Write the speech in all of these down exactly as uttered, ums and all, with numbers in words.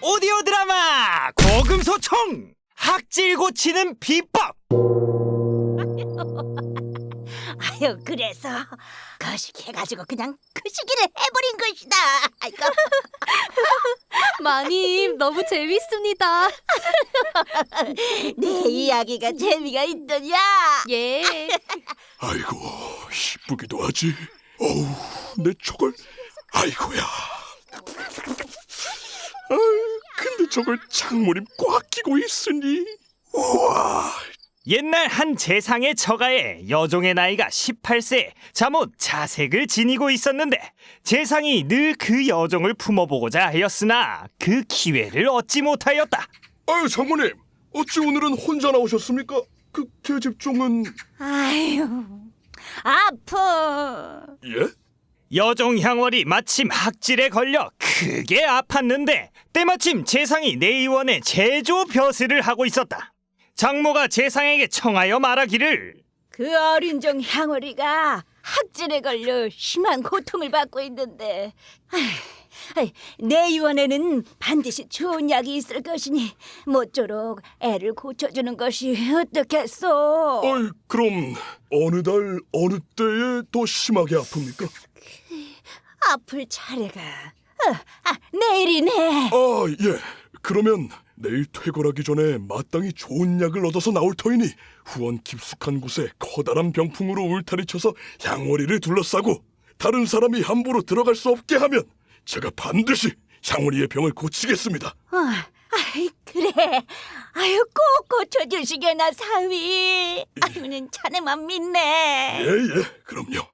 오디오 드라마 고금소총 학질 고치는 비법. 아유, 그래서 거식해가지고 그냥 그 시기를 해버린 것이다. 아이고. 마님, 너무 재밌습니다. 내 이야기가 재미가 있더냐? 예. 아이고, 이쁘기도 하지. 어우, 내 저걸. 아이고야. 아, 근데 저걸 창문이 꽉 끼고 있으니. 우와. 옛날 한 재상의 처가에 여종의 나이가 십팔 세 잠옷 자색을 지니고 있었는데 재상이 늘 그 여종을 품어보고자 하였으나 그 기회를 얻지 못하였다. 아유, 장모님, 어찌 오늘은 혼자 나오셨습니까? 그 계집종은. 아유, 아파. 예? 여종 향월이 마침 학질에 걸려 크게 아팠는데 때마침 재상이 내의원에 제조 벼슬을 하고 있었다. 장모가 재상에게 청하여 말하기를 그 어린 종 향월이가 학질에 걸려 심한 고통을 받고 있는데 아휴, 내 유언에는 반드시 좋은 약이 있을 것이니 모쪼록 애를 고쳐주는 것이 어떻겠소? 아이, 그럼 어느 달 어느 때에 더 심하게 아픕니까? 아플 차례가 어, 아, 내일이네. 아, 예. 그러면 내일 퇴골하기 전에 마땅히 좋은 약을 얻어서 나올 터이니 후원 깊숙한 곳에 커다란 병풍으로 울타리쳐서 향월이를 둘러싸고 다른 사람이 함부로 들어갈 수 없게 하면 제가 반드시 향월이의 병을 고치겠습니다. 어, 아이, 그래. 아유, 꼭 고쳐주시게나 사위. 아유는 자네만 믿네. 예, 예, 그럼요.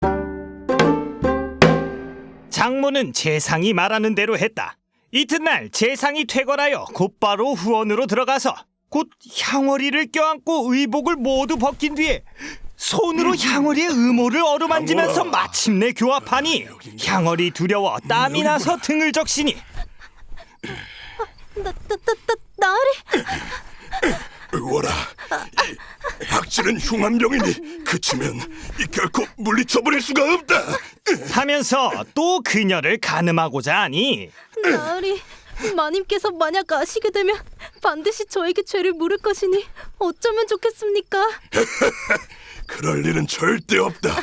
장모는 재상이 말하는 대로 했다. 이튿날 재상이 퇴거하여 곧바로 후원으로 들어가서 곧 향월이를 껴안고 의복을 모두 벗긴 뒤에 손으로 향월이의 의모를 어루만지면서 향월아. 마침내 교합하니 향월이 두려워 땀이 나서 등을 적시니 나, 나, 나, 나, 나으리. 의원아, 이 학질은 흉한병이니 그치면 이 결코 물리쳐버릴 수가 없다. 하면서 또 그녀를 가늠하고자 하니 나으리, 마님께서 만약 아시게 되면 반드시 저에게 죄를 물을 것이니 어쩌면 좋겠습니까? 그럴 일은 절대 없다.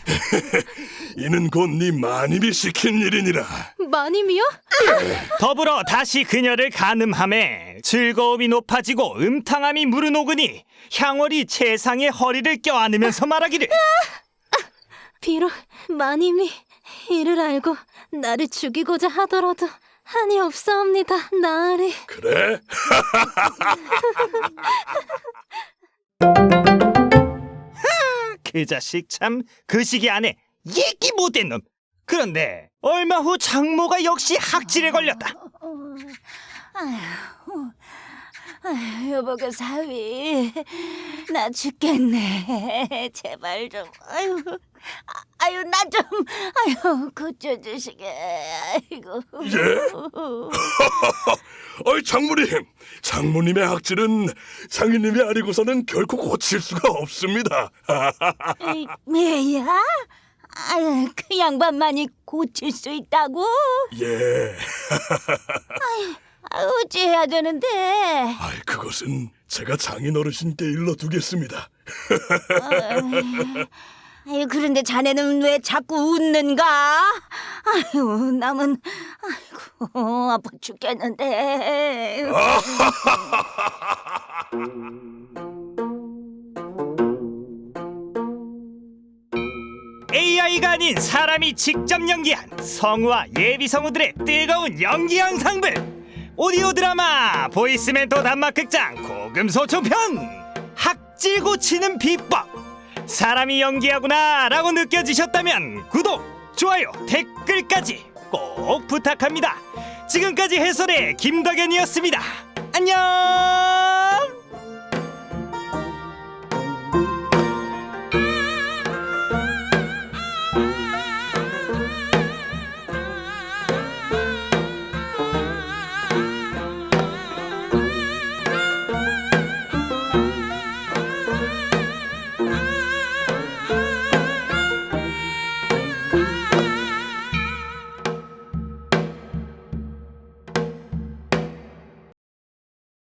이는 곧 네 마님이 시킨 일이니라. 마님이요? 더불어 다시 그녀를 가늠하매 즐거움이 높아지고 음탕함이 무르녹으니 향월이 재상의 허리를 껴안으면서 말하기를 비록 마님이 이를 알고 나를 죽이고자 하더라도 한이 없사옵니다, 나으리. 그래? 그 자식 참 그 시기 안에 얘기 못된 놈. 그런데 얼마 후 장모가 역시 학질에 걸렸다. 아휴, 아휴, 여보가 사위, 나 죽겠네. 제발 좀, 아유, 아, 아유, 나 좀, 아유, 고쳐주시게. 아이고. 예? 어이, 장모님, 장모님의 학질은 장인님이 아니고서는 결코 고칠 수가 없습니다. 에이, 왜야? 아유, 그 양반만이 고칠 수 있다고? 예. 아, 어찌해야 되는데? 아이, 그것은 제가 장인 어르신께 일러두겠습니다. 아유, 그런데 자네는 왜 자꾸 웃는가? 아유, 남은, 아이고, 아파 죽겠는데. 에이아이가 아닌 사람이 직접 연기한 성우와 예비 성우들의 뜨거운 연기 영상들. 오디오 드라마 보이스멘토 단막극장 고금소총편 학질 고치는 비법. 사람이 연기하구나 라고 느껴지셨다면 구독, 좋아요, 댓글까지 꼭 부탁합니다. 지금까지 해설의 김덕현이었습니다. 안녕.